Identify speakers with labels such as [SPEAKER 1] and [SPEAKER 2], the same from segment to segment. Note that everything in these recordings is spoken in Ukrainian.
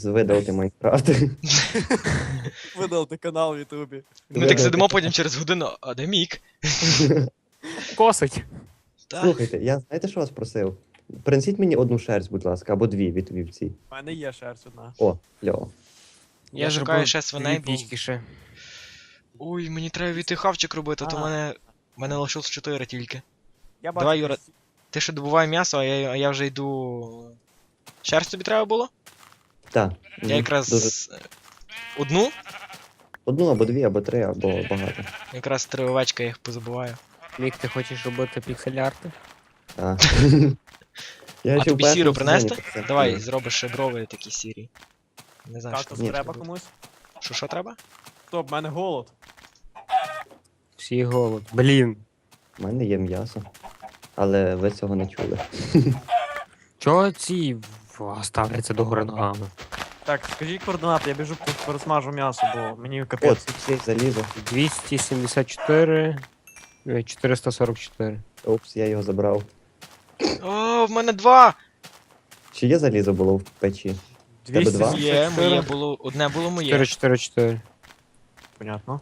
[SPEAKER 1] видалити Майнкрафт.
[SPEAKER 2] Видалити канал в Ютубі.
[SPEAKER 3] Ми так сидимо потім через годину, а де Мік?
[SPEAKER 4] Косить.
[SPEAKER 3] Та,
[SPEAKER 1] Слухайте, я знаєте, що вас просив? Принесіть мені одну шерсть, будь ласка, або дві від вівці.
[SPEAKER 2] У мене є шерсть одна.
[SPEAKER 1] О, кльово.
[SPEAKER 3] Я шукаю ще свиней, бо...
[SPEAKER 4] пічки ще.
[SPEAKER 3] Ой, мені треба війти хавчик робити, то
[SPEAKER 2] А.
[SPEAKER 3] мене лишилось 4 тільки.
[SPEAKER 2] Я
[SPEAKER 3] Давай, Юра. Ти ще добувай м'ясо, а я вже йду... Шерсть тобі треба було?
[SPEAKER 1] Так.
[SPEAKER 3] Я якраз...
[SPEAKER 1] Дуже...
[SPEAKER 3] Одну?
[SPEAKER 1] Одну або дві, або три, або багато.
[SPEAKER 3] Якраз 3 овечка, я їх позабуваю.
[SPEAKER 4] Мік, ти хочеш робити піксель-арти?
[SPEAKER 1] Так.
[SPEAKER 3] А тобі сіру принести?
[SPEAKER 1] Давай.
[SPEAKER 3] Давай, зробиш ще брови такі сірі. Не знаю, що
[SPEAKER 2] Кактус
[SPEAKER 1] Ні,
[SPEAKER 2] треба
[SPEAKER 1] що
[SPEAKER 2] комусь?
[SPEAKER 3] Що треба?
[SPEAKER 2] Стоп, в мене голод.
[SPEAKER 4] Всі голод. Блін.
[SPEAKER 1] У мене є м'ясо. Але ви цього не чули.
[SPEAKER 4] Чого ці ставляться до гори ногами?
[SPEAKER 2] Так, скажіть координати, я біжу пересмажу м'ясо, бо мені
[SPEAKER 1] От,
[SPEAKER 2] капець.
[SPEAKER 1] всі залізо.
[SPEAKER 4] 274... 444.
[SPEAKER 1] Опс, я його забрав.
[SPEAKER 3] О, в мене 2!
[SPEAKER 1] Чи є залізо було в печі? тебе два?
[SPEAKER 3] Є,
[SPEAKER 2] 274.
[SPEAKER 3] моє було, одне було моє.
[SPEAKER 4] 444.
[SPEAKER 2] Понятно.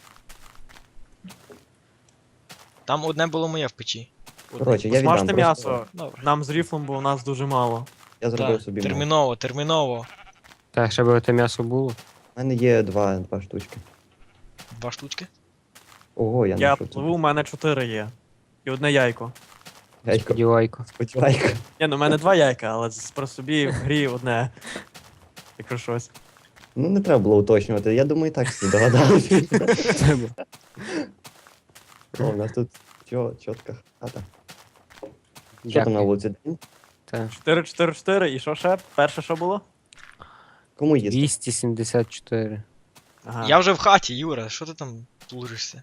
[SPEAKER 3] Там одне було моє в печі. Одне.
[SPEAKER 1] Коротше, я
[SPEAKER 2] Смажте
[SPEAKER 1] віддам.
[SPEAKER 2] м'ясо.
[SPEAKER 1] Просто
[SPEAKER 3] Добре.
[SPEAKER 2] Нам з ріфлом, бо у нас дуже мало.
[SPEAKER 1] Я зробив
[SPEAKER 3] Так,
[SPEAKER 1] собі.
[SPEAKER 3] терміново, терміново.
[SPEAKER 4] Так, ще би те м'ясо було.
[SPEAKER 1] У мене є два штучки.
[SPEAKER 3] 2 штучки.
[SPEAKER 1] Ого, я
[SPEAKER 2] Я
[SPEAKER 1] знайшов.
[SPEAKER 2] пливу, у мене 4 є. І одне яйко.
[SPEAKER 1] Яйко.
[SPEAKER 4] Сподівайко.
[SPEAKER 1] Сподівайка.
[SPEAKER 2] Ні, ну в мене 2 яйка, але про собі в грі одне. Якщо щось.
[SPEAKER 1] Ну не треба було уточнювати. Я думаю, і так всі догадалися. О, у нас тут чітка хата. Що там на вулиці? День?
[SPEAKER 4] Так.
[SPEAKER 2] 4-4-4, і що ще? Перше що було?
[SPEAKER 1] Кому їсти?
[SPEAKER 4] 274.
[SPEAKER 2] Ага.
[SPEAKER 3] Я вже в хаті, Юра, що ти там плужишся?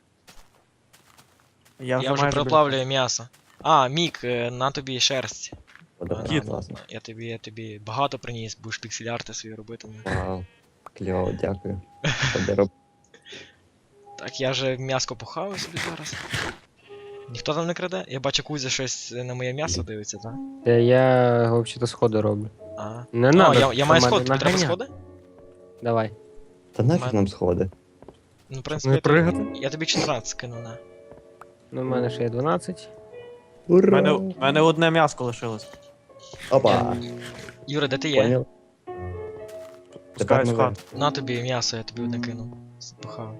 [SPEAKER 3] Я вже
[SPEAKER 2] майже
[SPEAKER 3] проплавлюю м'ясо. А, Мік, на тобі шерсть.
[SPEAKER 1] О, да,
[SPEAKER 2] Кіт.
[SPEAKER 1] класно.
[SPEAKER 3] Я тобі багато приніс, будеш піксель-арти свої робити.
[SPEAKER 1] Вау. Кльово, дякую. Що роб...
[SPEAKER 3] Так, я вже м'яско похаваю собі зараз. Ніхто там не краде? Я бачу, Кузя щось на моє м'ясо дивиться, так?
[SPEAKER 4] Я взагалі сходи роблю.
[SPEAKER 3] А.
[SPEAKER 4] Не
[SPEAKER 3] А,
[SPEAKER 4] надо.
[SPEAKER 3] я маю
[SPEAKER 4] що
[SPEAKER 3] сход,
[SPEAKER 4] мене
[SPEAKER 3] тобі треба
[SPEAKER 4] наганя.
[SPEAKER 3] сходи?
[SPEAKER 4] Давай.
[SPEAKER 1] Та нафіг
[SPEAKER 3] Мене-
[SPEAKER 1] нам сходи.
[SPEAKER 3] Ну, в
[SPEAKER 4] Не
[SPEAKER 3] принципі,
[SPEAKER 4] пригати?
[SPEAKER 3] я тобі 14 скину, на.
[SPEAKER 4] Ну, в мене ще є 12.
[SPEAKER 2] У
[SPEAKER 1] Ура!
[SPEAKER 2] мене одне м'яско лишилось.
[SPEAKER 1] Опа!
[SPEAKER 3] Юра, де ти є?
[SPEAKER 1] Поняв?
[SPEAKER 2] Пускаюсь в
[SPEAKER 1] ми
[SPEAKER 2] хату.
[SPEAKER 3] На тобі м'ясо, я тобі одне кину. Похаваю.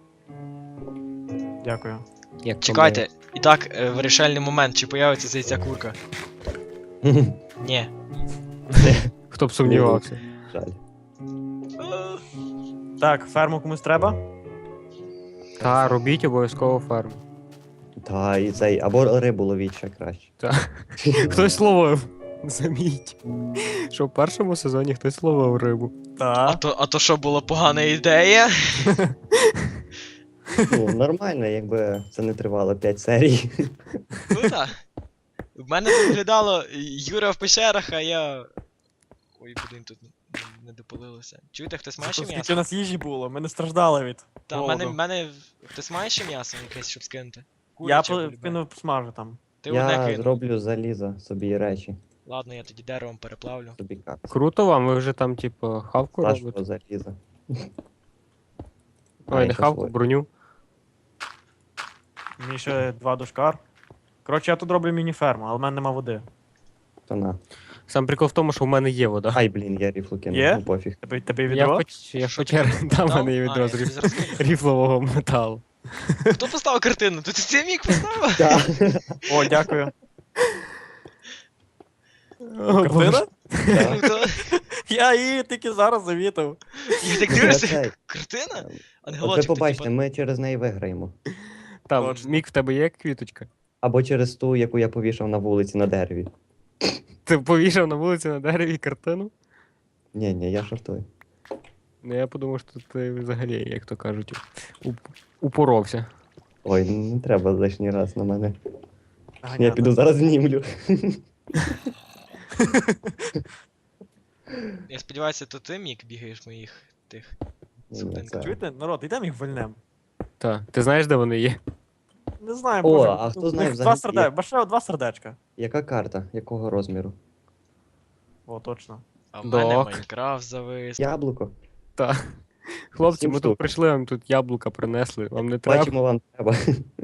[SPEAKER 2] Дякую.
[SPEAKER 4] Як
[SPEAKER 3] Чекайте, і так, вирішальний момент, чи появиться ця ця курка?
[SPEAKER 1] виграємо.
[SPEAKER 3] Ні.
[SPEAKER 4] Хто б сумнівався?
[SPEAKER 1] Жаль.
[SPEAKER 2] Так, ферму комусь треба?
[SPEAKER 4] Та, робіть обов'язково ферму.
[SPEAKER 1] Та, і цей, або рибу ловіть ще краще.
[SPEAKER 4] Хтось ловив. Заміть. Що в першому сезоні хтось ловив рибу.
[SPEAKER 2] Так.
[SPEAKER 3] А то що, була погана ідея?
[SPEAKER 1] Ну, нормально, якби це не тривало 5 серій.
[SPEAKER 3] Ну так. В мене тут виглядало Юра в пещерах, а я. Ой, блін, тут не допалилося. Чуєте, хтось має ще
[SPEAKER 2] Скільки у
[SPEAKER 3] м'ясо?
[SPEAKER 2] нас їжі було, ми не страждали від.
[SPEAKER 3] Та,
[SPEAKER 2] голоду.
[SPEAKER 3] мене. Хтось має ще м'ясо якесь, щоб скинути?
[SPEAKER 2] Я
[SPEAKER 3] Куряче, любе.
[SPEAKER 2] кинув смажу там.
[SPEAKER 3] Ти одне
[SPEAKER 1] Я
[SPEAKER 3] кинув.
[SPEAKER 1] зроблю залізо собі речі,
[SPEAKER 3] Ладно, я тоді деревом переплавлю.
[SPEAKER 1] собі капці.
[SPEAKER 4] Круто вам, ви вже там, типу, хавку
[SPEAKER 1] Нашого
[SPEAKER 4] робите?
[SPEAKER 1] заліза.
[SPEAKER 4] Ой, не
[SPEAKER 1] ще
[SPEAKER 4] хавку,
[SPEAKER 1] своє.
[SPEAKER 4] броню.
[SPEAKER 2] Мені ще 2 дошкар. Коротше, я тут роблю міні-ферму, але в мене нема води.
[SPEAKER 1] То на.
[SPEAKER 4] Сам прикол в тому, що в мене є вода.
[SPEAKER 1] Ай, блін, я ріфлу кинув,
[SPEAKER 2] Є?
[SPEAKER 1] ну пофіг.
[SPEAKER 2] Тебе
[SPEAKER 4] Я
[SPEAKER 2] відро?
[SPEAKER 4] я
[SPEAKER 3] Що
[SPEAKER 4] хоча
[SPEAKER 3] ти
[SPEAKER 4] там в
[SPEAKER 3] дав?
[SPEAKER 4] мене є
[SPEAKER 3] А,
[SPEAKER 4] відро
[SPEAKER 3] я
[SPEAKER 4] з
[SPEAKER 3] тобі зараз кину.
[SPEAKER 4] ріфлового металу.
[SPEAKER 3] Хто поставив картину? Тут це Мік поставив?
[SPEAKER 1] Так.
[SPEAKER 2] О, дякую.
[SPEAKER 4] О, Боже.
[SPEAKER 2] Картина?
[SPEAKER 3] Ну, то-
[SPEAKER 2] Я її тільки зараз завітав.
[SPEAKER 3] Я так
[SPEAKER 1] Я
[SPEAKER 3] дивлюся,
[SPEAKER 1] цей,
[SPEAKER 3] картина?
[SPEAKER 1] От ви
[SPEAKER 3] Ангелочок,
[SPEAKER 1] побачите, ми через неї виграємо.
[SPEAKER 4] Там,
[SPEAKER 2] Точно.
[SPEAKER 4] Мік, в тебе є квіточка?
[SPEAKER 1] Або через ту, яку я повішав на вулиці на дереві.
[SPEAKER 4] Ти повішав на вулиці на дереві картину?
[SPEAKER 1] Ні, я жартую.
[SPEAKER 4] Ну я подумав, що ти взагалі, як то кажуть, упоровся.
[SPEAKER 1] Ой, не треба лишній раз на мене. Я
[SPEAKER 2] Ганяти.
[SPEAKER 1] піду зараз знімлю.
[SPEAKER 3] Я сподіваюся, то ти, Мік, бігаєш моїх тих.
[SPEAKER 1] Ні,
[SPEAKER 3] Сутенка.
[SPEAKER 1] це-
[SPEAKER 2] Чуєте, народ, йдемо їх вольнем.
[SPEAKER 4] Так, ти знаєш, де вони є?
[SPEAKER 2] Не знаю,
[SPEAKER 1] О,
[SPEAKER 2] може,
[SPEAKER 1] а хто
[SPEAKER 2] у них
[SPEAKER 1] знає
[SPEAKER 2] два
[SPEAKER 1] взагалі,
[SPEAKER 2] сердечка. Башео 2 сердечка.
[SPEAKER 1] Яка карта? Якого розміру?
[SPEAKER 2] О, точно.
[SPEAKER 3] А в мене
[SPEAKER 4] Док.
[SPEAKER 3] Майнкрафт завис.
[SPEAKER 1] Яблуко.
[SPEAKER 4] Та. Хлопці,
[SPEAKER 1] 7
[SPEAKER 4] ми
[SPEAKER 1] штук.
[SPEAKER 4] тут прийшли, вам тут яблука принесли. Вам не треба?
[SPEAKER 1] Бачимо, вам треба.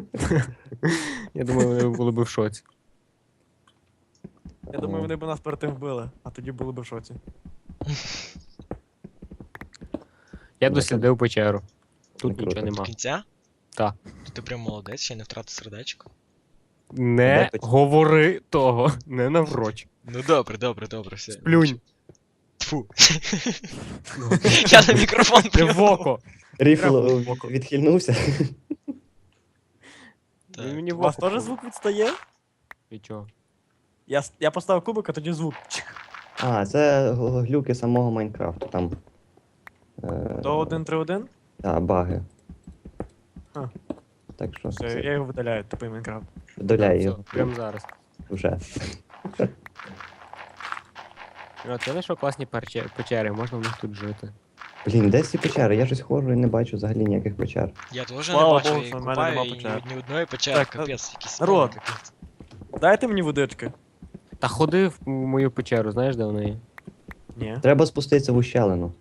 [SPEAKER 4] Я думаю, вони були б в шоці.
[SPEAKER 2] Я думаю, вони б нас перед тим вбили, а тоді були б в шоці.
[SPEAKER 4] Я дослідив печеру. Тут
[SPEAKER 1] Не круто.
[SPEAKER 4] нічого
[SPEAKER 3] До
[SPEAKER 4] нема.
[SPEAKER 3] кінця?
[SPEAKER 4] Та.
[SPEAKER 3] То ти прям молодець, ще не втратив сердечко.
[SPEAKER 4] Не
[SPEAKER 1] Де печера?
[SPEAKER 4] говори того, не навроч.
[SPEAKER 3] Ну добре, все.
[SPEAKER 4] Плюнь.
[SPEAKER 3] Тфу. Я на мікрофон
[SPEAKER 4] Не
[SPEAKER 3] плюнув.
[SPEAKER 4] в око.
[SPEAKER 1] Ріфл
[SPEAKER 4] Треба в око.
[SPEAKER 1] відхильнувся.
[SPEAKER 3] Так.
[SPEAKER 4] Він мені
[SPEAKER 2] У
[SPEAKER 4] в
[SPEAKER 2] вас
[SPEAKER 4] око.
[SPEAKER 2] теж звук відстає?
[SPEAKER 4] І чого?
[SPEAKER 2] Я поставив кубик, а тоді звук. Чик.
[SPEAKER 1] А, це глюки самого Майнкрафту. Там.
[SPEAKER 2] То 1.3.1?
[SPEAKER 1] Так, баги.
[SPEAKER 2] А.
[SPEAKER 1] Так що
[SPEAKER 2] Все, я його видаляю, типу Майнкрафт.
[SPEAKER 1] доляй
[SPEAKER 4] Все,
[SPEAKER 1] його
[SPEAKER 4] прямо зараз.
[SPEAKER 1] вже.
[SPEAKER 4] От, я знайшов класні печери, можна в них тут жити.
[SPEAKER 1] Блін, де ці печери? Я щось ходжу і не бачу взагалі ніяких печер.
[SPEAKER 3] Я теж не
[SPEAKER 2] Слава
[SPEAKER 3] бачу,
[SPEAKER 2] Богу,
[SPEAKER 3] і
[SPEAKER 2] що в мене
[SPEAKER 3] купаю,
[SPEAKER 2] нема
[SPEAKER 3] і
[SPEAKER 2] печер.
[SPEAKER 3] ні одної печери,
[SPEAKER 2] Так,
[SPEAKER 3] капець, якийсь
[SPEAKER 2] народ.
[SPEAKER 3] спам, капець.
[SPEAKER 2] Дайте мені водички.
[SPEAKER 4] Та ходи в мою печеру, знаєш, де вона є?
[SPEAKER 2] Ні.
[SPEAKER 1] Треба спуститися в ущелину.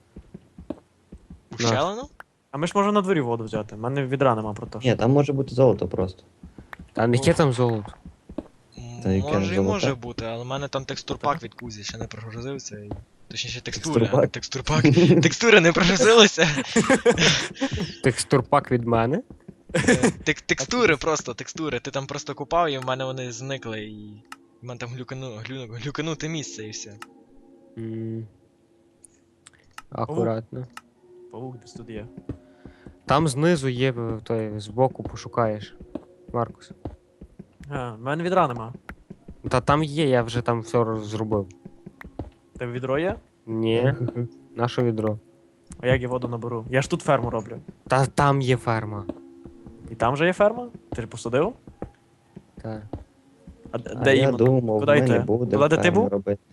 [SPEAKER 3] Ущелину?
[SPEAKER 2] А ми ж можемо на дворі воду взяти. У мене відра нема про те.
[SPEAKER 1] Ні, там може бути золото просто.
[SPEAKER 4] Та не яке там золото.
[SPEAKER 1] Та яке
[SPEAKER 3] Може і
[SPEAKER 1] золоте?
[SPEAKER 3] може бути, але в мене там текстурпак від Кузі ще не прогрузився. Точніше, текстури, а не
[SPEAKER 1] Текстурпак?
[SPEAKER 3] текстурпак. Текстури не прогрузилися.
[SPEAKER 4] Текстурпак від мене.
[SPEAKER 3] Текстури просто, текстури. Ти там просто купав і в мене вони зникли і. В мене там глюкануте місце і все.
[SPEAKER 4] М. Акуратно.
[SPEAKER 2] Паук десь тут є.
[SPEAKER 4] Там знизу є, той, збоку пошукаєш. Маркус.
[SPEAKER 2] А, в мене відра нема.
[SPEAKER 4] Та там є, я вже там все зробив.
[SPEAKER 2] Тебе відро є?
[SPEAKER 4] Ні, наше відро.
[SPEAKER 2] А як я воду наберу? Я ж тут ферму роблю.
[SPEAKER 4] Та там є ферма.
[SPEAKER 2] І там же є ферма? Ти ж посадив?
[SPEAKER 4] Та.
[SPEAKER 2] А
[SPEAKER 1] А
[SPEAKER 2] де
[SPEAKER 1] я
[SPEAKER 2] іменно?
[SPEAKER 1] думав,
[SPEAKER 2] Куди
[SPEAKER 1] ми
[SPEAKER 2] йти?
[SPEAKER 1] не будемо
[SPEAKER 2] Туди, де ти
[SPEAKER 1] ферму
[SPEAKER 2] був?
[SPEAKER 1] робити.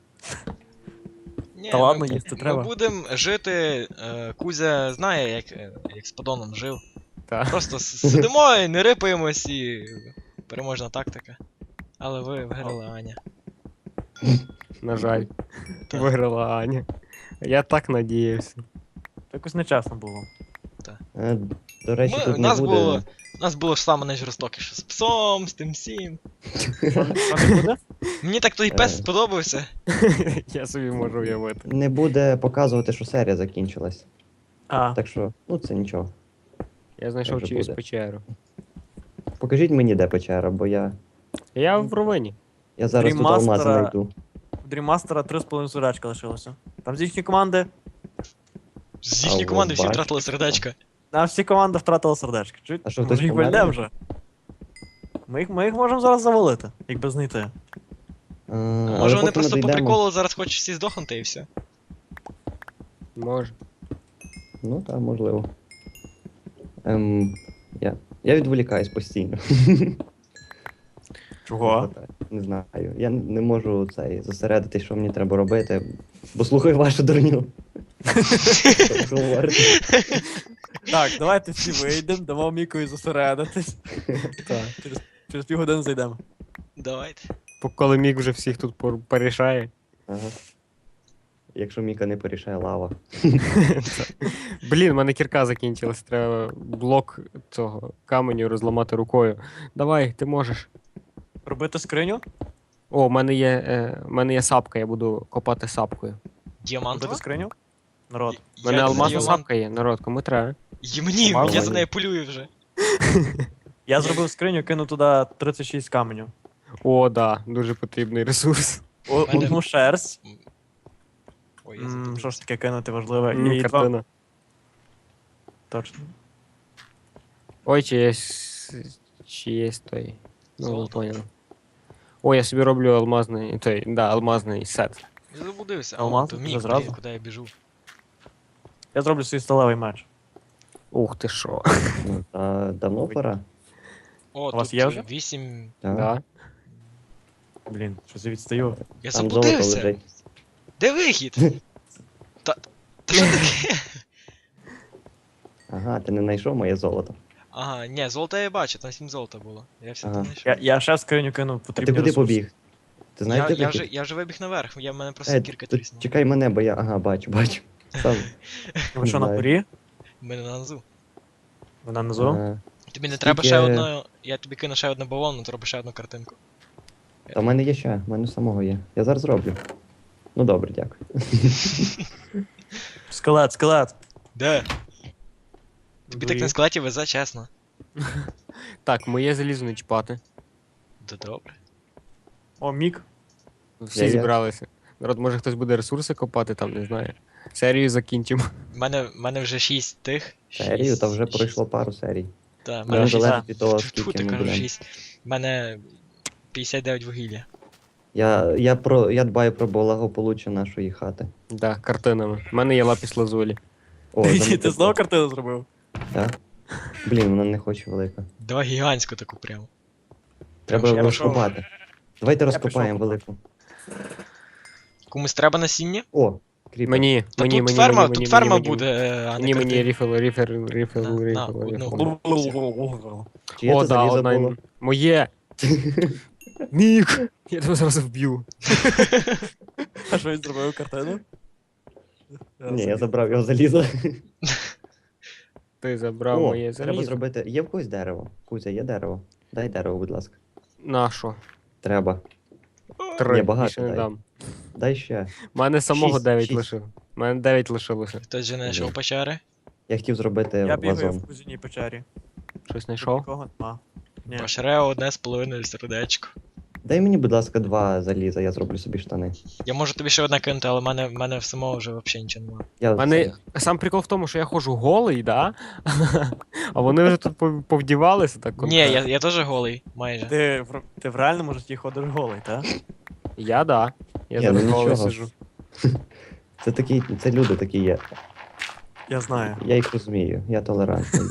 [SPEAKER 3] Ні,
[SPEAKER 2] Та ладно,
[SPEAKER 3] ми,
[SPEAKER 2] їсти треба.
[SPEAKER 3] Ми будемо жити. Кузя знає, як з подоном жив.
[SPEAKER 4] Та.
[SPEAKER 3] Просто сидимо і не рипаємось і. Переможна тактика. Але ви виграли, Аня.
[SPEAKER 4] На жаль.
[SPEAKER 3] Так.
[SPEAKER 4] Виграла Аня. Я так надіявся.
[SPEAKER 2] Якось нечесно було.
[SPEAKER 1] Е, До речі,
[SPEAKER 3] Ми-
[SPEAKER 1] тут
[SPEAKER 3] нас
[SPEAKER 1] не буде.
[SPEAKER 3] У нас було ж саме найжорстокіше з псом, з тим всім.
[SPEAKER 2] Що не буде?
[SPEAKER 3] Мені так той пес
[SPEAKER 1] Е.
[SPEAKER 3] сподобався.
[SPEAKER 4] Я собі можу уявити.
[SPEAKER 1] Не буде показувати, що серія закінчилась.
[SPEAKER 2] А,
[SPEAKER 1] Так що, ну це нічого.
[SPEAKER 4] Я знайшов
[SPEAKER 1] Вже
[SPEAKER 4] чиюсь
[SPEAKER 1] буде.
[SPEAKER 4] печеру.
[SPEAKER 1] Покажіть мені, де печера, бо я
[SPEAKER 4] Я в ровині.
[SPEAKER 1] зараз тут алмази
[SPEAKER 2] Дріммастера.
[SPEAKER 1] знайду.
[SPEAKER 2] в Дрімастера 3,5 сурачка лишилося. Там з їхньої команди.
[SPEAKER 3] З їхньої
[SPEAKER 1] А,
[SPEAKER 3] команди
[SPEAKER 1] от
[SPEAKER 3] всі
[SPEAKER 1] бачиш.
[SPEAKER 3] втратили сердечка.
[SPEAKER 2] Нам всі команди втратили сердечко. Чуть?
[SPEAKER 1] А що,
[SPEAKER 2] Може
[SPEAKER 1] хтось
[SPEAKER 2] їх
[SPEAKER 1] помер?
[SPEAKER 2] вальнем вже? Ми їх можемо зараз завалити, якби знайти.
[SPEAKER 3] Може вони просто по приколу зараз хочуть всі здохнути і все.
[SPEAKER 4] Може.
[SPEAKER 1] Ну так, можливо. Я відволікаюсь постійно.
[SPEAKER 2] Чого?
[SPEAKER 1] Не знаю. Я не можу зосередитись, що мені треба робити, бо слухаю вашу дурню. Що ви говорите?
[SPEAKER 2] Так, давайте всі вийдемо, дамо Мікою зосередитись.
[SPEAKER 4] Так.
[SPEAKER 2] Через півгодини зайдемо.
[SPEAKER 3] Давайте.
[SPEAKER 4] Коли Мік вже всіх тут порішає.
[SPEAKER 1] Ага. Якщо Міка не порішає лава.
[SPEAKER 4] Блін, в мене кірка закінчилась. Треба блок цього каменю розламати рукою. Давай, ти можеш.
[SPEAKER 2] Робити скриню?
[SPEAKER 4] О, в мене є сапка, я буду копати сапкою.
[SPEAKER 3] Діамантова?
[SPEAKER 2] Робити скриню? Народ.
[SPEAKER 4] У мене
[SPEAKER 3] Я
[SPEAKER 4] алмазна
[SPEAKER 3] діамант-
[SPEAKER 4] сапка є, народ, кому треба.
[SPEAKER 3] І мені,
[SPEAKER 2] Мало
[SPEAKER 3] я за
[SPEAKER 1] мені.
[SPEAKER 3] нею полюю вже.
[SPEAKER 2] Я зробив скриню, кину туди 36 каменю.
[SPEAKER 4] О, да, дуже потрібний ресурс.
[SPEAKER 3] Мене-
[SPEAKER 2] Одну шерсть.
[SPEAKER 3] Ой, я забув.
[SPEAKER 2] Що ж таке кинути важливе? І два...
[SPEAKER 4] Картина.
[SPEAKER 2] Точно.
[SPEAKER 4] Ой, чи є той. Ну, ви
[SPEAKER 3] Золото.
[SPEAKER 4] поняли. О, я собі роблю алмазний, алмазний сет.
[SPEAKER 3] Я заблудився.
[SPEAKER 2] Алмаз?
[SPEAKER 3] То
[SPEAKER 2] Вже
[SPEAKER 3] мій,
[SPEAKER 2] зразу?
[SPEAKER 3] блін, куди я біжу.
[SPEAKER 2] Я зроблю свій сталевий меч.
[SPEAKER 4] Ух ти що.
[SPEAKER 1] Ну, та давно пора.
[SPEAKER 3] О,
[SPEAKER 2] У вас
[SPEAKER 3] тут
[SPEAKER 2] є вже?
[SPEAKER 3] 8.
[SPEAKER 1] Так.
[SPEAKER 4] Да.
[SPEAKER 2] Блін, щось я відстаю.
[SPEAKER 3] Я
[SPEAKER 1] Там золото
[SPEAKER 3] заблудився.
[SPEAKER 1] лежить.
[SPEAKER 3] Де вихід? Та що таке?
[SPEAKER 1] Ага, ти не знайшов моє золото.
[SPEAKER 3] Ага, ні, золото я бачу, там 7 золота було. Я все
[SPEAKER 1] Ага.
[SPEAKER 3] там знайшов.
[SPEAKER 2] Я ще в скриню кинув
[SPEAKER 1] А ти
[SPEAKER 2] потрібні
[SPEAKER 1] куди
[SPEAKER 2] ресурси.
[SPEAKER 1] побіг? Ти знаєш, де вихід?
[SPEAKER 3] Я вже вибіг наверх, в мене просто
[SPEAKER 1] Е,
[SPEAKER 3] кірка
[SPEAKER 1] тут
[SPEAKER 3] тріснула.
[SPEAKER 1] чекай мене, бо я. Ага, бачу. Сам.
[SPEAKER 2] Ви що, на
[SPEAKER 1] знаю.
[SPEAKER 2] горі?
[SPEAKER 3] В мене на низу.
[SPEAKER 2] Вона внизу?
[SPEAKER 3] Тобі не
[SPEAKER 1] Скільки-
[SPEAKER 3] треба ще одну. Я тобі кину ще одну бавовну, треба ще одну картинку.
[SPEAKER 1] Та в мене є ще, в мене самого є. Я зараз зроблю. Ну добре, дякую.
[SPEAKER 2] Скелет.
[SPEAKER 3] Де? Тобі так на скелеті везе, чесно.
[SPEAKER 4] Так, моє залізо не чіпати.
[SPEAKER 3] Да добре.
[SPEAKER 2] О, мік.
[SPEAKER 4] Всі
[SPEAKER 1] Я-
[SPEAKER 4] зібралися. Народ, може хтось буде ресурси копати там, не знаю. Серію закінчимо.
[SPEAKER 3] В мене вже 6 тих.
[SPEAKER 1] Серію, та вже пройшло пару серій.
[SPEAKER 3] Так, в
[SPEAKER 1] Це
[SPEAKER 3] мене
[SPEAKER 1] не
[SPEAKER 2] шість.
[SPEAKER 1] залежить від того,
[SPEAKER 3] Тьфу,
[SPEAKER 1] скільки
[SPEAKER 3] ти
[SPEAKER 1] ми
[SPEAKER 3] кажу
[SPEAKER 1] будемо.
[SPEAKER 3] 6. В мене 59 вугілля.
[SPEAKER 1] Я дбаю про благополуччя нашої хати.
[SPEAKER 4] Да, картинами. У мене є лапіс лазулі.
[SPEAKER 1] О,
[SPEAKER 2] Ти
[SPEAKER 1] замітив.
[SPEAKER 2] знову картину зробив?
[SPEAKER 1] Так? Блін, вона не хоче велика.
[SPEAKER 3] Давай гігантську таку прямо.
[SPEAKER 1] Треба
[SPEAKER 3] Я
[SPEAKER 1] розкопати. Давайте розкопаємо
[SPEAKER 2] пішов
[SPEAKER 1] велику.
[SPEAKER 3] Комусь треба насіння?
[SPEAKER 1] О, кріпер.
[SPEAKER 4] Мені,
[SPEAKER 3] Та
[SPEAKER 4] мені,
[SPEAKER 3] тут
[SPEAKER 4] мені,
[SPEAKER 3] ферма,
[SPEAKER 4] мені,
[SPEAKER 3] тут
[SPEAKER 4] мені,
[SPEAKER 3] ферма
[SPEAKER 4] мені,
[SPEAKER 3] буде, а не
[SPEAKER 4] Мені, мені,
[SPEAKER 3] картина.
[SPEAKER 4] ріфл,
[SPEAKER 3] На, одну.
[SPEAKER 4] ріфл.
[SPEAKER 1] Чи є
[SPEAKER 4] О,
[SPEAKER 1] це
[SPEAKER 4] да,
[SPEAKER 1] залізо
[SPEAKER 4] одна.
[SPEAKER 1] було?
[SPEAKER 4] Моє! Мік! Я тебе зараз вб'ю.
[SPEAKER 2] А що він зробив картину?
[SPEAKER 1] Ні, я забрав його залізо.
[SPEAKER 4] Ти забрав
[SPEAKER 1] О,
[SPEAKER 4] моє
[SPEAKER 1] треба
[SPEAKER 4] залізо.
[SPEAKER 1] зробити. Є в когось дерево? Кузя, є дерево? Дай дерево, будь ласка.
[SPEAKER 4] Нащо?
[SPEAKER 1] Треба.
[SPEAKER 4] 3,
[SPEAKER 1] Ні, багато
[SPEAKER 4] більше не
[SPEAKER 1] дай.
[SPEAKER 4] дам.
[SPEAKER 1] Дай ще.
[SPEAKER 4] У мене самого 9
[SPEAKER 1] 6.
[SPEAKER 4] лишив. У мене 9 лишилося.
[SPEAKER 3] Хтось же знайшов
[SPEAKER 1] Ні.
[SPEAKER 3] печери.
[SPEAKER 1] Я хотів зробити
[SPEAKER 2] Я бігаю
[SPEAKER 1] вазон.
[SPEAKER 2] в кузіній печері.
[SPEAKER 4] Щось
[SPEAKER 2] Тут
[SPEAKER 4] знайшов?
[SPEAKER 2] нікого нема. Ні.
[SPEAKER 3] Пошре одне з половиною сердечко.
[SPEAKER 1] Дай мені, будь ласка, 2 заліза, я зроблю собі штани.
[SPEAKER 3] Я можу тобі ще одне кинути, але в мене в самого вже взагалі нічого немає.
[SPEAKER 1] Я
[SPEAKER 4] У мене
[SPEAKER 1] це-
[SPEAKER 4] сам прикол в тому, що я ходжу голий, да? А вони вже тут повдівалися так.
[SPEAKER 3] Ні, я теж голий, майже.
[SPEAKER 2] Ти в реальному житті ходиш голий, так?
[SPEAKER 4] Я да. Я
[SPEAKER 1] Ні,
[SPEAKER 4] зараз
[SPEAKER 1] ну
[SPEAKER 4] голий
[SPEAKER 1] нічого.
[SPEAKER 4] сижу.
[SPEAKER 1] Це люди такі є.
[SPEAKER 2] Я знаю.
[SPEAKER 1] Я їх розумію, я толерантний.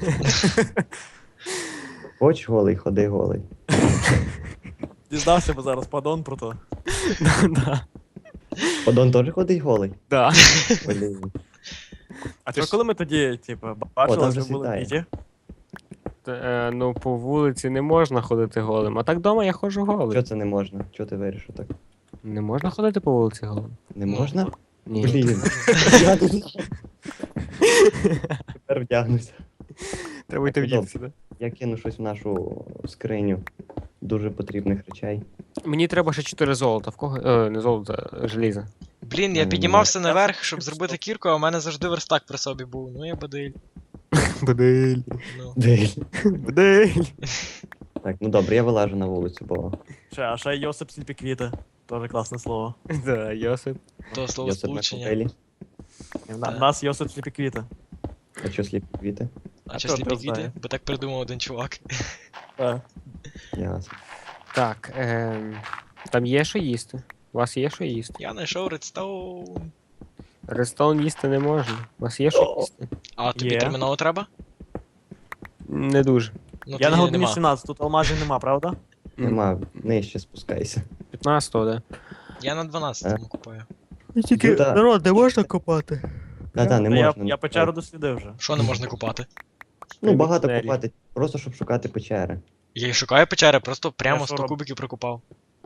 [SPEAKER 1] Хоч голий, ходи голий.
[SPEAKER 2] Дізнався би зараз падон про то.
[SPEAKER 4] Да.
[SPEAKER 1] Подон теж ходить голий?
[SPEAKER 4] Да.
[SPEAKER 1] Блін.
[SPEAKER 2] А
[SPEAKER 3] Ти
[SPEAKER 2] то
[SPEAKER 3] ж-
[SPEAKER 2] коли ми тоді, типу,
[SPEAKER 1] там
[SPEAKER 2] бачили,
[SPEAKER 1] вже
[SPEAKER 2] що були
[SPEAKER 1] світає.
[SPEAKER 2] біті?
[SPEAKER 4] Ну, по вулиці не можна ходити голим. А так вдома я ходжу голий.
[SPEAKER 1] Чого це не можна? Чого ти вирішив так?
[SPEAKER 4] Не можна ходити по вулиці голим?
[SPEAKER 1] Не
[SPEAKER 3] Ну,
[SPEAKER 1] можна?
[SPEAKER 4] Ні.
[SPEAKER 1] Блін. Я не знаю. Тепер вдягнуся.
[SPEAKER 4] Треба йти
[SPEAKER 1] Так,
[SPEAKER 4] вдітися, да?
[SPEAKER 1] Я кину щось в нашу скриню дуже потрібних речей.
[SPEAKER 4] Мені треба ще 4 золота. В кого? Не золота, а желіза.
[SPEAKER 3] Блін, я піднімався наверх, щоб зробити кірку, а в мене завжди верстак при собі був. Ну я бадиль.
[SPEAKER 4] Бадель.
[SPEAKER 3] Ну.
[SPEAKER 1] Дель.
[SPEAKER 4] Бадель.
[SPEAKER 1] Так, ну добре, я вилажу на вулицю, бо
[SPEAKER 2] А ще Йосип сліпі квіти. Тоже класне слово.
[SPEAKER 4] Да, Йосип.
[SPEAKER 3] То слово
[SPEAKER 1] я себе на
[SPEAKER 3] сполучення.
[SPEAKER 1] купелі.
[SPEAKER 2] У нас Йосип сліпі квіти.
[SPEAKER 1] А що сліпі квіти?
[SPEAKER 3] А
[SPEAKER 2] А
[SPEAKER 3] чи
[SPEAKER 2] то
[SPEAKER 3] сліпі
[SPEAKER 2] ти
[SPEAKER 3] квіти?
[SPEAKER 2] знає.
[SPEAKER 3] Бо так придумав один чувак.
[SPEAKER 2] Так.
[SPEAKER 1] Ясно.
[SPEAKER 4] Так, там є що їсти. У вас є що їсти?
[SPEAKER 3] Я знайшов редстоун.
[SPEAKER 4] Рестон їсти не можна. У вас є що їсти?
[SPEAKER 3] А тобі
[SPEAKER 2] Є.
[SPEAKER 3] терміново треба?
[SPEAKER 4] Не дуже.
[SPEAKER 3] Ну
[SPEAKER 2] Я
[SPEAKER 3] тоді
[SPEAKER 2] на глибині
[SPEAKER 3] нема.
[SPEAKER 2] 17, тут алмазів нема, правда?
[SPEAKER 1] Нема, нижче спускайся.
[SPEAKER 4] 15-го, да.
[SPEAKER 3] Я на 12-му купаю.
[SPEAKER 1] тільки, Юта.
[SPEAKER 4] народ, не можна копати.
[SPEAKER 1] Та-та, не
[SPEAKER 2] Та я,
[SPEAKER 1] можна.
[SPEAKER 2] я печеру дослідив вже.
[SPEAKER 3] Що не можна купати?
[SPEAKER 1] Ну, багато
[SPEAKER 4] Тунелі.
[SPEAKER 1] копати, просто щоб шукати печери.
[SPEAKER 3] Я й шукаю печери, просто прямо
[SPEAKER 2] що
[SPEAKER 3] 100
[SPEAKER 2] роб-
[SPEAKER 3] кубиків прикопав.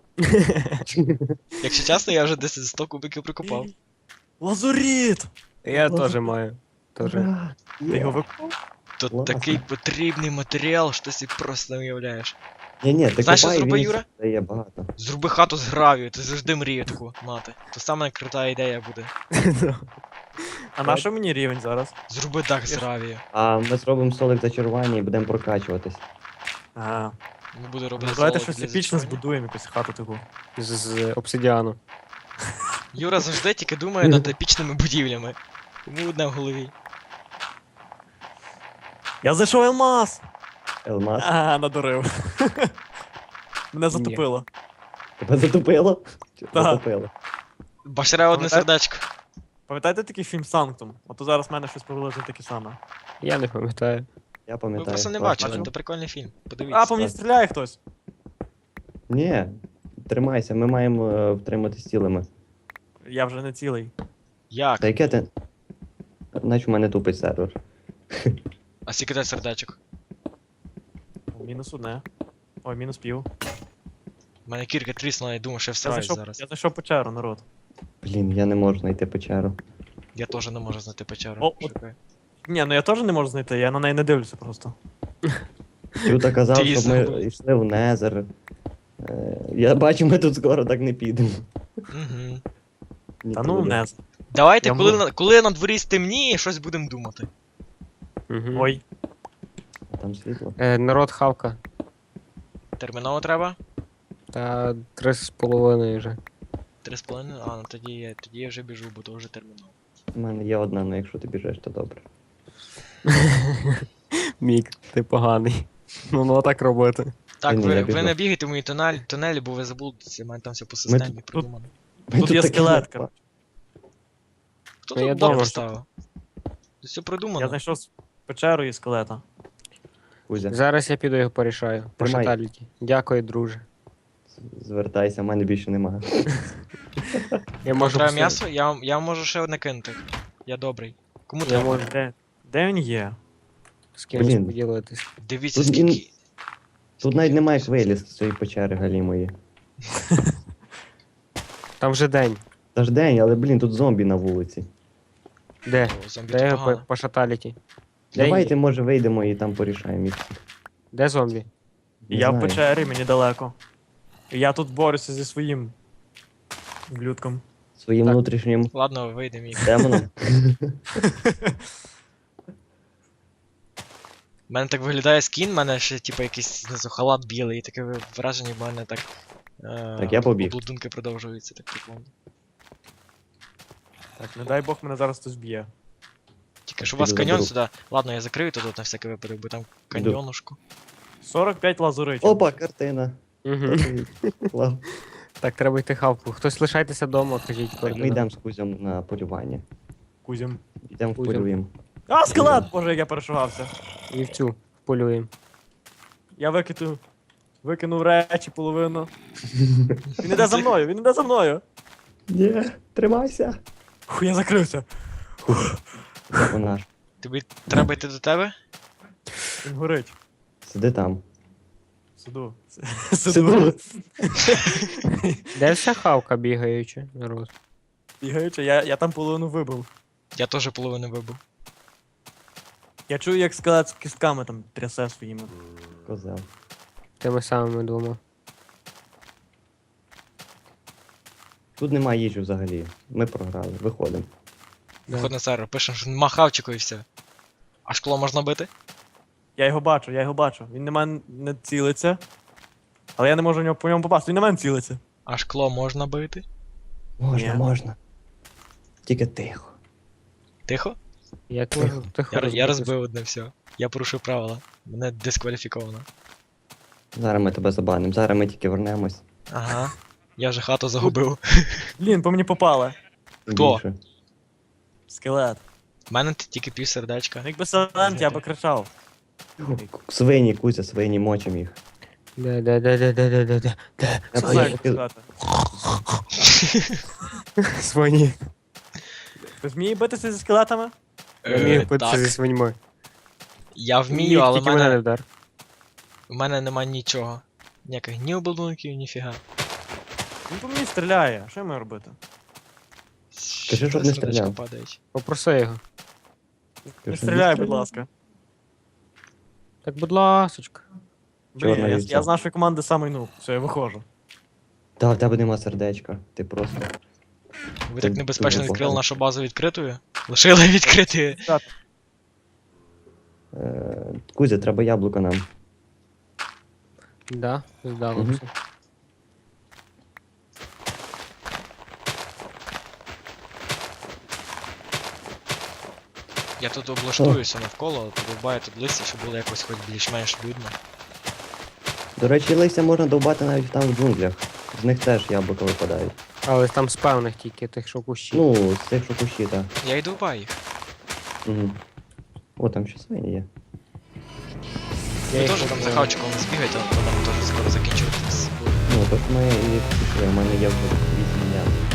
[SPEAKER 3] Якщо чесно, я вже десь 100 кубиків прикопав.
[SPEAKER 2] Лазуріт!
[SPEAKER 4] Я теж маю. Тоже.
[SPEAKER 1] Ура!
[SPEAKER 2] Ти його викупав?
[SPEAKER 3] Тут
[SPEAKER 1] Класно.
[SPEAKER 3] такий потрібний матеріал, що ти собі просто не уявляєш.
[SPEAKER 1] Ні, ти
[SPEAKER 3] Знаєш, що
[SPEAKER 1] копай,
[SPEAKER 3] зроби,
[SPEAKER 1] він
[SPEAKER 3] Юра?
[SPEAKER 1] дає багато.
[SPEAKER 3] Зроби хату з гравію, ти завжди мрію таку мати. То саме крута ідея буде.
[SPEAKER 2] А на що мені рівень зараз?
[SPEAKER 3] Зроби дах з гравію.
[SPEAKER 1] А ми зробимо столик зачарування і будемо прокачуватись.
[SPEAKER 2] Ага.
[SPEAKER 3] Не буду робити
[SPEAKER 2] Ну, давайте
[SPEAKER 3] золото
[SPEAKER 2] щось
[SPEAKER 3] для
[SPEAKER 2] епічне
[SPEAKER 3] зачарування.
[SPEAKER 2] збудуємо, якусь хату таку.
[SPEAKER 4] З обсидіану.
[SPEAKER 3] Юра завжди тільки думає над епічними будівлями. Йому одне в голові.
[SPEAKER 2] Я знайшов алмаз!
[SPEAKER 1] Елмаз.
[SPEAKER 2] Ага, надурив. Мене затопило.
[SPEAKER 1] Тебе затупило? Чи
[SPEAKER 2] Так.
[SPEAKER 1] затупило?
[SPEAKER 3] Башре одне
[SPEAKER 2] Пам'ятаєте?
[SPEAKER 3] сердечко.
[SPEAKER 2] Пам'ятаєте такий фільм Санктум? Ото зараз в мене щось приблизно таке саме.
[SPEAKER 4] Я не пам'ятаю.
[SPEAKER 1] Я
[SPEAKER 3] Ви
[SPEAKER 1] пам'ятаю.
[SPEAKER 3] просто не
[SPEAKER 1] класно.
[SPEAKER 3] бачили,
[SPEAKER 2] бачив.
[SPEAKER 3] це прикольний фільм.
[SPEAKER 2] А,
[SPEAKER 3] Подивіться.
[SPEAKER 2] по мені стріляє хтось.
[SPEAKER 1] Ні, тримайся, ми маємо втриматись цілими.
[SPEAKER 2] Я вже не цілий.
[SPEAKER 3] Як?
[SPEAKER 1] Та яке ти. Наче в мене тупить сервер.
[SPEAKER 3] А скільки дай сердечок?
[SPEAKER 2] Мінус одне. Ой, мінус пів.
[SPEAKER 3] У мене кірка тріснула, я думаю, що я
[SPEAKER 2] Я
[SPEAKER 3] всираюсь
[SPEAKER 2] зайшов,
[SPEAKER 3] зараз.
[SPEAKER 2] я зайшов печеру, народ.
[SPEAKER 1] Блін, я не можу знайти печеру.
[SPEAKER 3] Я теж не можу знайти печеру.
[SPEAKER 2] О, от.
[SPEAKER 3] Шукаю.
[SPEAKER 2] Ні, ну я теж не можу знайти, я на неї не дивлюся просто.
[SPEAKER 1] Тут казав,
[SPEAKER 3] Ти її
[SPEAKER 1] щоб ми
[SPEAKER 3] забув.
[SPEAKER 1] йшли в Незер. Я бачу, ми тут скоро так не підемо.
[SPEAKER 3] Угу.
[SPEAKER 2] Та ну не.
[SPEAKER 3] Давайте,
[SPEAKER 2] Я
[SPEAKER 3] коли на дворі стемніє, щось будемо думати.
[SPEAKER 4] Мгм.
[SPEAKER 2] Ой,
[SPEAKER 1] Там світло.
[SPEAKER 4] Народ хавка.
[SPEAKER 3] Терміново треба?
[SPEAKER 4] Та 3,5 вже.
[SPEAKER 3] 3,5? А, ну тоді я вже біжу, бо то вже терміново.
[SPEAKER 1] У мене є одна, але якщо ти біжиш, то добре.
[SPEAKER 4] Мік, ти поганий. Ну так робити.
[SPEAKER 3] Так,
[SPEAKER 1] Ні, я
[SPEAKER 3] ви
[SPEAKER 1] біжу.
[SPEAKER 3] не бігайте в мої тунелі, бо ви заблудитеся, у мене там все по системі придумано.
[SPEAKER 2] тут є
[SPEAKER 1] таке
[SPEAKER 2] скелетка.
[SPEAKER 1] напа-
[SPEAKER 3] Хто
[SPEAKER 4] Ну, я
[SPEAKER 3] тут блок
[SPEAKER 4] дома.
[SPEAKER 3] поставив? Тут все
[SPEAKER 2] Я
[SPEAKER 3] придумано.
[SPEAKER 2] знайшов печеру і скелета.
[SPEAKER 1] Кузя,
[SPEAKER 4] Зараз я піду його порішаю. По
[SPEAKER 1] Тримай.
[SPEAKER 4] шаталіті. Дякую, друже.
[SPEAKER 1] звертайся, в мене більше немає.
[SPEAKER 4] Я
[SPEAKER 3] Можу
[SPEAKER 4] можу
[SPEAKER 3] треба
[SPEAKER 4] посилити.
[SPEAKER 3] м'ясо? Я можу ще одне кинути. Я добрий. Кому
[SPEAKER 4] Я
[SPEAKER 3] треба?
[SPEAKER 4] можу
[SPEAKER 2] Де він є?
[SPEAKER 4] з кимось
[SPEAKER 1] Блін.
[SPEAKER 4] поділитись.
[SPEAKER 3] Дивіться,
[SPEAKER 1] Тут
[SPEAKER 3] скільки.
[SPEAKER 1] Тут навіть немає хвилі з цієї печери галімої.
[SPEAKER 4] Там вже день.
[SPEAKER 1] Та ж день, але блін, тут зомбі на вулиці.
[SPEAKER 4] Де?
[SPEAKER 3] О, зомбі
[SPEAKER 4] Де
[SPEAKER 3] то
[SPEAKER 4] його по,
[SPEAKER 3] погано.
[SPEAKER 4] по шаталіті? Де
[SPEAKER 1] Давайте,
[SPEAKER 4] є?
[SPEAKER 1] може, вийдемо і там порішаємо їх.
[SPEAKER 4] Де зомбі?
[SPEAKER 1] Не
[SPEAKER 2] Я в
[SPEAKER 1] знаю.
[SPEAKER 2] печері, мені далеко. І я тут борюся зі своїм блюдком.
[SPEAKER 1] Своїм
[SPEAKER 4] Так.
[SPEAKER 1] внутрішнім
[SPEAKER 3] Ладно, вийдемо їх.
[SPEAKER 1] демоном.
[SPEAKER 3] У мене так виглядає скін, в мене ще типу якийсь знизу халат білий, і таке враження в мене так.
[SPEAKER 1] Так, я побіг.
[SPEAKER 3] Облудунки продовжуються, так прикольно.
[SPEAKER 2] Так, не дай Бог мене зараз хтось б'є.
[SPEAKER 3] Тільки що у вас
[SPEAKER 1] піду
[SPEAKER 3] каньйон
[SPEAKER 1] заберу.
[SPEAKER 3] сюди. Ладно, я закрию тут на всякий випадок, бо там каньйонушку.
[SPEAKER 2] 45 лазуритів.
[SPEAKER 1] Опа, картина.
[SPEAKER 4] Угу.
[SPEAKER 1] Клав.
[SPEAKER 4] Так, треба йти хавку. Хтось лишайтеся вдома, кажіть
[SPEAKER 1] Так, ми
[SPEAKER 4] координати.
[SPEAKER 1] йдемо з Кузем на полювання.
[SPEAKER 2] Кузім.
[SPEAKER 1] Йдемо
[SPEAKER 4] Кузя.
[SPEAKER 1] полюємо.
[SPEAKER 2] А, скелет! Боже, як я перешугався.
[SPEAKER 4] І в цю полюємо.
[SPEAKER 2] Я викинув речі половину. Він іде за мною, він іде за мною.
[SPEAKER 1] Ні, тримайся.
[SPEAKER 2] Фу, я закрився.
[SPEAKER 1] Це вона ж.
[SPEAKER 3] Тобі треба йти до тебе?
[SPEAKER 2] Він горить.
[SPEAKER 1] Сиди там.
[SPEAKER 2] Сиду.
[SPEAKER 1] Сиду.
[SPEAKER 4] Де вся хавка бігаюча, народ?
[SPEAKER 2] Бігаючи, я там половину вибив.
[SPEAKER 3] Я теж половину вибив.
[SPEAKER 2] Я чую, як скелет з кістками там трясе своїми.
[SPEAKER 1] Козел.
[SPEAKER 4] Тими самими двома.
[SPEAKER 1] Тут немає їжі взагалі. Ми програли. Виходимо.
[SPEAKER 4] Да.
[SPEAKER 3] Виход на сервер, пишемо, що нема хавчику і все. А шкло можна бити?
[SPEAKER 2] Я його бачу. Він на мене не цілиться. Але я не можу по ньому попасти, він на мене цілиться.
[SPEAKER 3] А шкло можна бити?
[SPEAKER 1] Можна,
[SPEAKER 2] Ні.
[SPEAKER 1] можна. Тільки тихо.
[SPEAKER 3] Тихо?
[SPEAKER 4] Як можу тихо
[SPEAKER 3] Я
[SPEAKER 4] розбити?
[SPEAKER 3] розбив одне все. Я порушив правила. Мене дискваліфіковано.
[SPEAKER 1] Зараз ми тебе забанимо. Зараз ми тільки вернемось.
[SPEAKER 3] Ага. Я вже хату загубив.
[SPEAKER 2] Блін, по мені попали.
[SPEAKER 3] Хто?
[SPEAKER 1] Більше.
[SPEAKER 2] Скелет.
[SPEAKER 3] У мене тільки пів сердечка.
[SPEAKER 2] Якби Сайлент, я би кричав.
[SPEAKER 1] Свині, Кузя, свині, мочим їх.
[SPEAKER 4] Де.
[SPEAKER 1] Я
[SPEAKER 2] Сайлент,
[SPEAKER 1] поки-
[SPEAKER 2] сказати.
[SPEAKER 4] Свині.
[SPEAKER 2] Ти вміє битися зі скелетами?
[SPEAKER 4] Я вмію битися
[SPEAKER 3] Так.
[SPEAKER 4] зі свиньми.
[SPEAKER 3] Я вмію, але
[SPEAKER 4] Тільки мене не вдар.
[SPEAKER 3] в мене нема нічого. Ніяких ні обладунків, ніфіга.
[SPEAKER 2] Він по мені стріляє. Що я маю робити?
[SPEAKER 1] Кажи, щоб не
[SPEAKER 3] Сердечко
[SPEAKER 1] стріляв.
[SPEAKER 3] падають.
[SPEAKER 4] Попроси його.
[SPEAKER 2] Не стріляй, будь ласка.
[SPEAKER 4] Так, будь ласочка.
[SPEAKER 2] Блін,
[SPEAKER 1] Чорна
[SPEAKER 2] я
[SPEAKER 1] вівця.
[SPEAKER 2] з нашої команди самий нуб. Все, я виходжу.
[SPEAKER 1] Та в тебе нема сердечка. Ти просто.
[SPEAKER 3] Ви
[SPEAKER 1] Ти
[SPEAKER 3] так небезпечно
[SPEAKER 1] дуже
[SPEAKER 3] відкрили
[SPEAKER 1] погано.
[SPEAKER 3] нашу базу відкритою? Лишили відкритою.
[SPEAKER 1] Кузя, треба яблуко нам.
[SPEAKER 4] Да, здало
[SPEAKER 1] Мгм.
[SPEAKER 4] все.
[SPEAKER 3] Я тут облаштуюся навколо, подовбаю тут листя, щоб було якось хоч більш-менш людно.
[SPEAKER 1] До речі, листя можна довбати навіть там в джунглях. З них теж яблука випадають.
[SPEAKER 4] Але там з певних тільки тих, що кущі.
[SPEAKER 1] Ну, з тих, що кущі, так.
[SPEAKER 3] Я йду вбаю їх.
[SPEAKER 1] Угу. О, там ще свині є.
[SPEAKER 4] Я
[SPEAKER 3] Ви
[SPEAKER 4] їх
[SPEAKER 3] теж там за
[SPEAKER 4] вибиваю.
[SPEAKER 3] хавчиком не збігайте, а то нам теж скоро закінчуватись.
[SPEAKER 1] Ну, то ж ми і пішли, у мене є вже 8 яблук.